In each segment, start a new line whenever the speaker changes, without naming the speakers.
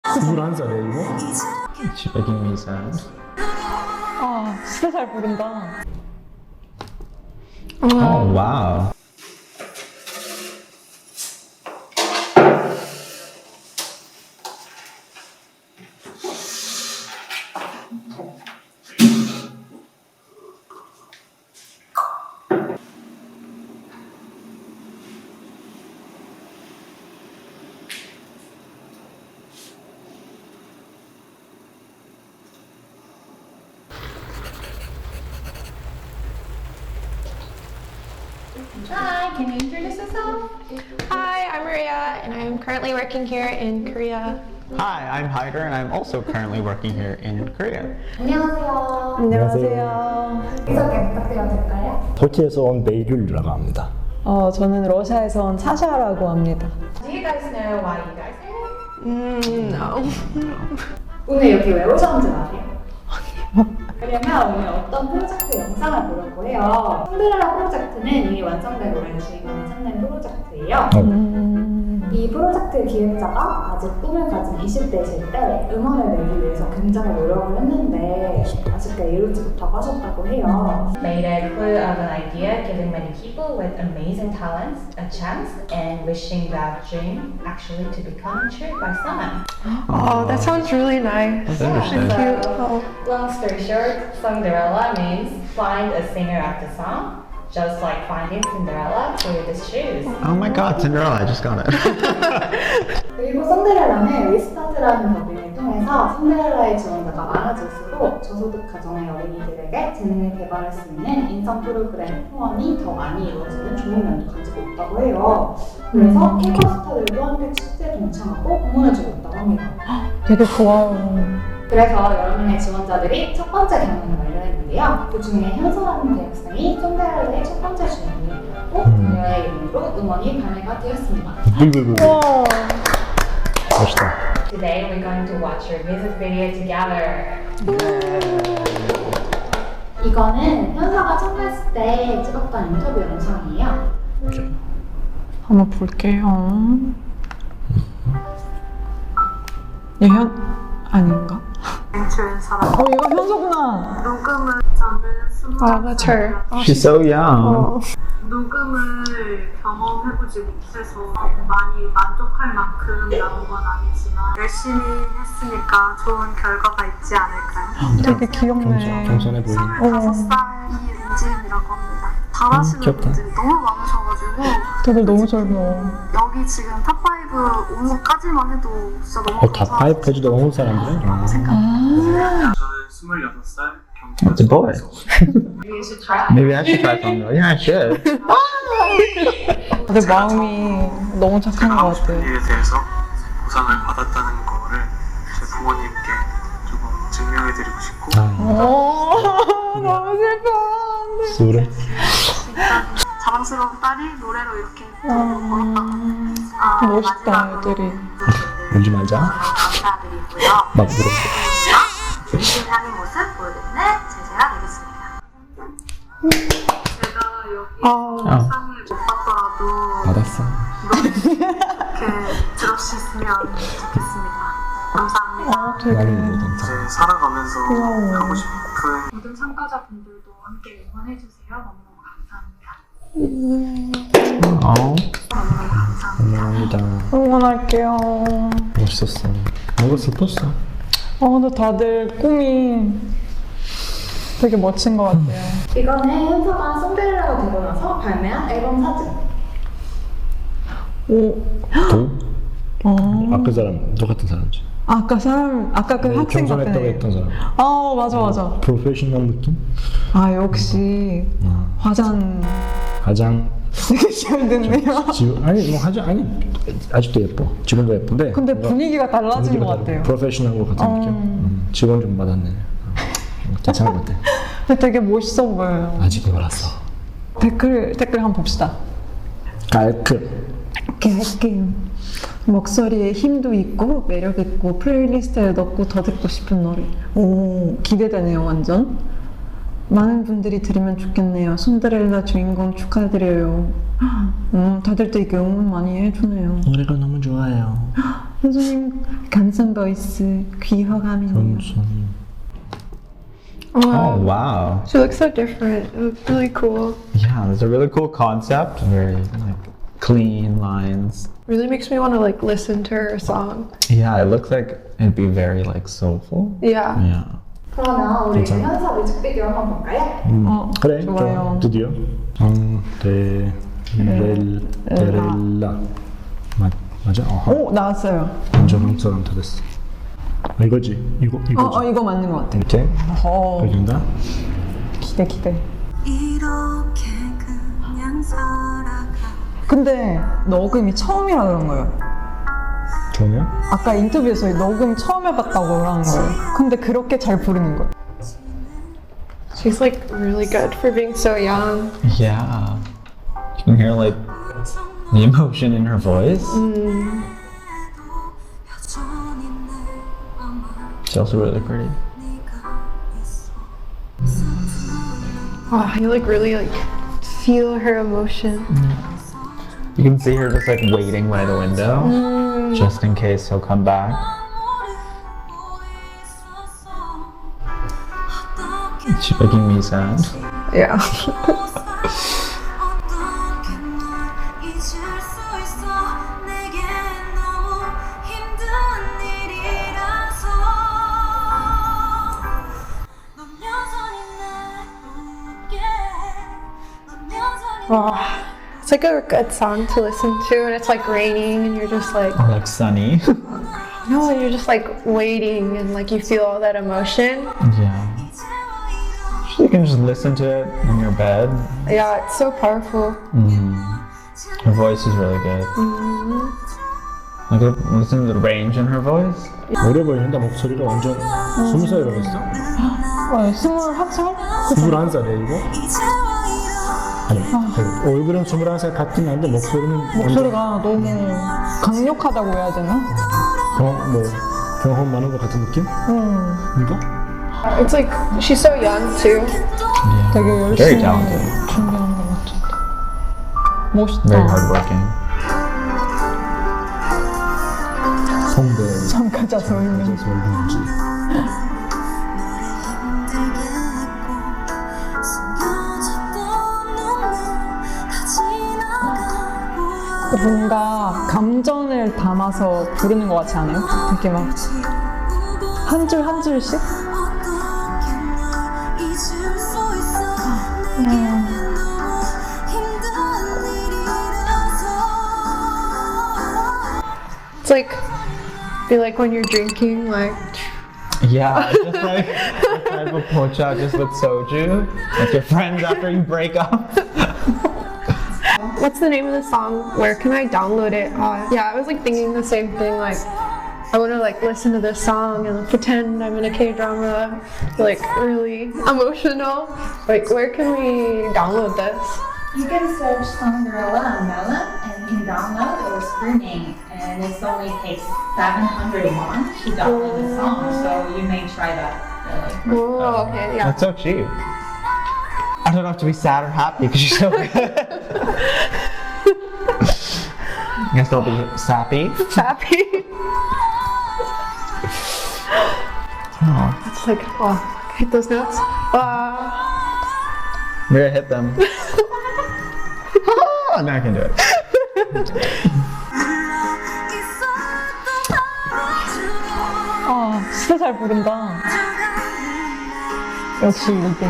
21살이에요 이거?
She's making me sad.
아, 진짜 잘 부른다.
Oh wow.
Hi, can you introduce yourself?
Hi, I'm Maria, and I'm currently working here in Korea.
Hi, I'm Hyder, and I'm also currently working here in Korea.
안녕하세요.
안녕하세요.
자기소개 부탁드려도 될까요?
터키에서 온 베이귤이라고 합니다.
저는 러시아에서 온 사샤라고 합니다.
Do you guys know why you guys are here?
No.
오늘 여기 왜 오셨는지 아세요? 왜냐면 오늘 어떤 프로젝트 영상을 보려고 해요. 신데렐라 프로젝트는 이미 완성된 노래를 주인공이 찾는 프로젝트예요. 이 프로젝트 기획자가 아직 꿈을 가진 20대이실 때 음원을 내기 위해서 굉장히 노력을 했는데 아쉽게 이루지 못하고 하셨다고 해요.
Made a clue of an idea, giving many people with amazing talents a chance and wishing that dream actually to become true by someone.
Oh, that sounds really nice.
That's
And
interesting.
cute. Oh.
Long story short, Cinderella means find a singer of the song, just like finding Cinderella through the shoes.
Oh my god, Cinderella, I just got it.
그리고 sonderella는 리스타트라는 법인을 통해서 신데렐라의 지원자가 많아질수록 저소득 가정의 어린이들에게 재능을 개발할 수 있는 인성 프로그램 후원이 더 많이 이루어지는 좋은 면도 가지고 있다고 해요. 그래서 K-pop 스타들도 함께 축제에 동참하고 공헌해주고 있다고 합니다.
되게 좋아요.
그래서 여러 명의 지원자들이 첫 번째 경연을 마련했는데요. 그 중에 현서라는 대학생이 손데렐라의 첫 번째 주인공이었고 그녀의 이름으로 음원이 발매가 되었습니다.
불불불.
와.
멋있다.
Today we're going to watch your music video together.
이거는 현서가 참가했을 때 찍었던 인터뷰 영상이에요.
오케이.
한번 볼게요. 아닌가? 이거 현서구나.
녹음을 저는
Oh, that's her.
She's so young.
녹음을 경험해보지 못해서 많이 만족할 만큼 나온 건 아니지만 열심히 했으니까 좋은 결과가 있지 않을까요?
되게 귀엽네.
겸손해 보이네.
25살 이은지은이라고 합니다. 잘하시는
귀엽다.
분들이 너무 많으셔가지고
되게 너무 젊어.
여기 지금 탑5 온 것까지만 해도 진짜 너무
다 파이프까지도 온 사람들은?
생각합니다.
저는 26살
It's a boy.
You should try.
Maybe I should try something. Yeah, I should.
내 마음이 너무 착한 것 같아.
일에 대해서 보상을 받았다는 거를 제 부모님께 조금 증명해드리고 싶고
너무 슬퍼.
술을?
자랑스러운 딸이 노래로 이렇게 걸었다.
멋있다, 애들이.
뭔지 말자.
감사드리고요.
막 물어.
열심히 하는 모습 보여드리는 제재가 되겠습니다. 제가 여기 영상을 못 봤더라도
받았어.
이렇게 들어주셨으면 좋겠습니다. 감사합니다.
나는 뭐든
이제 살아가면서
고마워.
하고 싶은
모든 참가자분들도 함께 응원해주세요. 너무너무 감사합니다.
Oh.
너무너무 감사합니다.
감사합니다.
응원할게요.
멋있었어. 뭔가 슬펐어.
근데 다들 꿈이 되게 멋진 것 같아요.
이거는 현서가 손데렐라가 되고 나서 발매한 앨범 사진.
도? 그 사람 똑같은 사람이지.
아까 그 학생
겸손했다고
같은 애.
했던 사람.
맞아.
프로페셔널 느낌?
역시 화장
가장
되게 잘 됐네요.
아니 뭐 아니 아직도 예뻐. 지금도 예쁜데.
근데 분위기가 달라진 것 같아요.
프로페셔널 같은 느낌. 직원 좀 받았네. 괜찮은 것 같아.
근데 되게 멋있어 보여요.
아직 몰랐어.
댓글 한번 봅시다.
깔끔.
깔끔. 목소리에 힘도 있고 매력 있고 플레이리스트에 넣고 더 듣고 싶은 노래. 오, 기대되네요 완전. 많은 분들이 들으면 좋겠네요. 손데렐라 주인공 축하드려요. 다들 되게 응원 많이 해주네요.
노래가 너무 좋아요.
현수님 간성 보이스 귀허감이네요.
현수님.
Oh wow.
She looks so different. It looks really cool.
Yeah, that's a really cool concept. Very like clean lines.
Really makes me want to like listen to her song.
Yeah, it looks like it'd be very like soulful.
Yeah.
Yeah.
그러면 우리
괜찮아.
현서 뮤직비디오 한번 볼까요?
그래,
좋아요.
좋아. 드디어. 데렐라. 맞아?
오 나왔어요.
완전 한국 사람 다 됐어. 이거지? 이거지?
이거 맞는 것 같아.
이렇게? 보여준다?
기대.
이렇게 그냥 살아가
근데 녹음이 처음이라 그런 거예요.
그러면?
아까 인터뷰에서 녹음 처음 해봤다고 그러는 거예요. 근데 그렇게 잘 부르는 거예요.
She's like really good for being so young.
Yeah. You can hear like the emotion in her voice. She's also really pretty.
Wow, you like really like feel her emotion.
You can see her just like waiting by the window, just in case he'll come back. She's making me sad.
Yeah.
잊을 수 있어 내겐 너무 힘든 일이라서 넌 여전히 날 웃게 넌 여전히
Wow. It's like a good song to listen to, and it's like raining, and you're just like,
Or like sunny.
no, you're just like waiting, and like you feel all that emotion.
Yeah. You can just listen to it in your bed.
Yeah, it's so powerful.
Her voice is really good. Like listen to the range in her voice.
어려 보이는데 목소리가 완전 20살이라고 했어?
21살?
21살이야 이거? 아니 얼굴은 21살 같긴 한데 목소리는
목소리가 너무 강력하다고 해야 되나?
경험 많은 것 같은 느낌? 이거?
It's like she's so young too.
Yeah.
되게
Very
열심히
talented.
준비하는 것 같아. 멋있다.
Very hardworking.
성대
참가자 설명.
설명지
뭔가 감정을 담아서 부르는 것 같지 않아요? 되게 막 한 줄 한 줄씩?
It's like feel like when you're drinking, like
Yeah, just like a type of pocha just with soju. Like your friends after you break up.
what's the name of the song? Where can I download it? Yeah, I was like thinking the same thing. Like, I want to like listen to this song and pretend I'm in a K-drama, like really emotional. Like, where can we download this?
You can search Cinderella on Melon and you can download or streaming, and it only takes 700 won to download the song, so you may try that. Really.
Oh, okay, yeah.
That's so cheap. I don't have to be sad or happy because she's so good. I guess I'll be sappy.
Happy.
Oh,
It's like, oh, hit those notes.
we're gonna hit them. Oh, now I can do it.
진짜 잘 부른다. 역시 1등.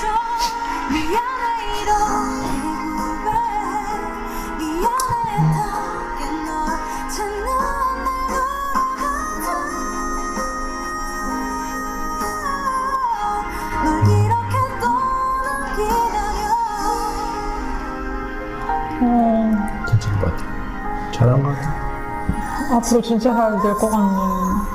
괜찮은 것 같아. 잘한 것 같아.
앞으로 진짜 잘 될 것 같네.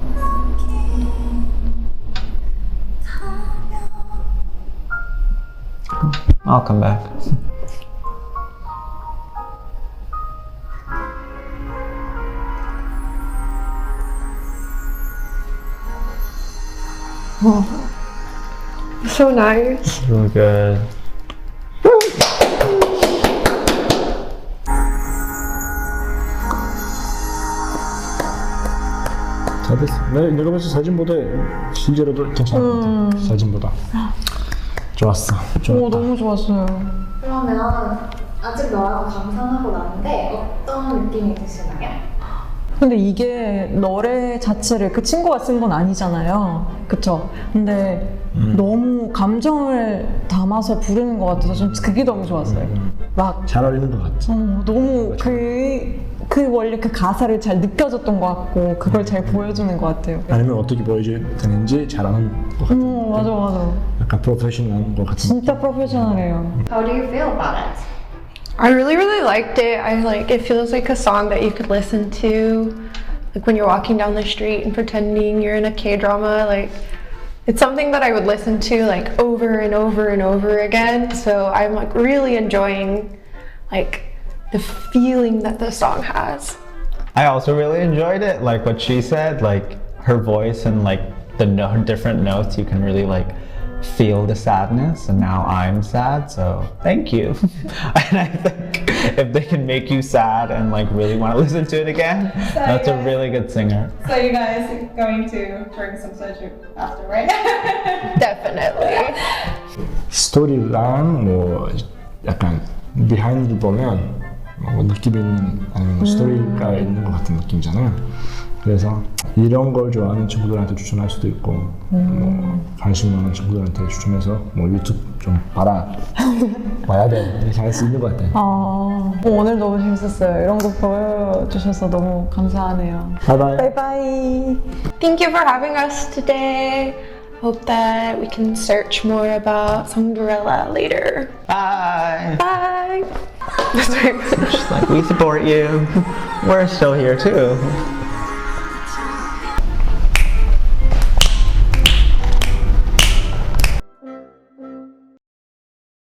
I'll come back.
So nice.
Really good.
잘 됐어. 내가 봤을 때 사진보다 실제로도 괜찮은 것 같아. 사진보다. 좋았어.
오,
좋았다.
너무 좋았어요.
그러면 아직 너라고 감상하고 나는데 어떤 느낌이 드시나요?
근데 이게 노래 자체를 그 친구가 쓴 건 아니잖아요. 그쵸? 근데 너무 감정을 담아서 부르는 것 같아서 좀 그게 너무 좋았어요. 막
잘 어울리는 것 같지.
너무 그 원래 그 가사를 잘 느껴졌던 것 같고 그걸 잘 보여주는 것 같아요.
아니면 어떻게 보여줘야 되는지 잘하는 것 같아.
맞아.
약간 프로페셔널한 것 같은.
진짜 프로페셔널해요.
How do you feel about it?
I really liked it. It feels like a song that you could listen to like when you're walking down the street and pretending you're in a K-drama. Like it's something that I would listen to like over and over and over again. So I'm like really enjoying like the feeling that the song has.
I also really enjoyed it, like what she said, like her voice and like the different notes, you can really like feel the sadness, and now I'm sad, so thank you. And I think if they can make you sad and like really want to listen to it again, that's a really good singer.
So you guys are going to drink some soju after, right?
Definitely.
스토리랑 뭐 약간 비하인드를 보면 뭐 느낌 있는 아니면 스토리가 있는 것 같은 느낌이잖아요. 그래서 이런 걸 좋아하는 친구들한테 추천할 수도 있고 뭐 관심 많은 친구들한테 추천해서 뭐 유튜브 좀 봐야 돼 이렇게 할 수 있는 것 같아요.
오늘 너무 재밌었어요. 이런 거 보여주셔서 너무 감사하네요.
바이바이.
바이바이.
Thank you for having us today. Hope that we can search more about Songdorella later.
Bye!
Bye!
Just like, we support you. We're still here too.